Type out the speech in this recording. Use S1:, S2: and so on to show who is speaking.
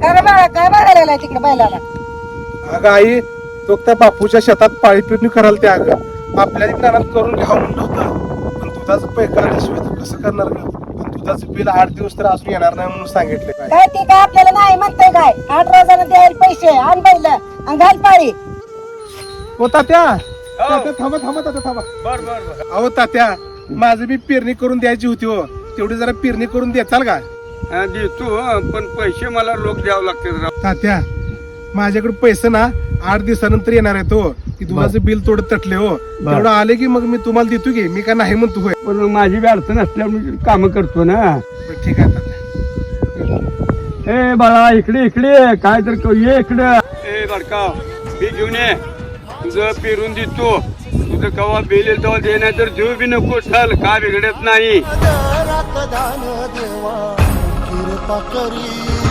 S1: काय बाळा काय बघायला तिकडे बैलाला?
S2: अगं आई तो त्या बापूच्या शेतात पाळी पिरणी करायला त्या अगं आपल्या ज्ञानात करून घ्यावं म्हणलं होतं, पण दुधाचं पैका आल्याशिवाय तर कसं करणार ग? पण दुधाचं बिल 8 दिवस तर अजून येणार नाही म्हणून सांगितले काय.
S1: काय ती काय आपल्याला नाही म्हणतंय काय? 8 रोजानं द्यायला पैसे आण बैल आणि घाल पाळी.
S2: हो तात्या तात्या थांबा थांबा तात्या थांबा.
S3: बर बर बर.
S2: अहो तात्या माझं बी पेरणी करून द्यायची होती हो, तेवढी जरा पेरणी करून देताल का?
S3: देतो पण पैसे मला लोक द्यावं लागतात राव.
S2: तात्या माझ्याकडे पैसे ना 8 दिवसानंतर येणार आहे तो, की दुधाचं बिल थोडं तटले हो, तेवढं आले की मग मी तुम्हाला देतो की, मी का नाही म्हणतो होय.
S3: पण माझी बी अडचण असल्यामुळे काम करतो ना.
S2: बरं, ठीक आहे तात्या.
S3: ए बाळा इकडे इकडे काय तर ये इकडे. ए बडका बी घेऊन ये, तुझं पेरून देतो. तुझं कवा बिल येईल तेव्हा दे, नाही तर देऊ बी नको. चल काय बिघडत नाही.
S4: देवा कृपा करी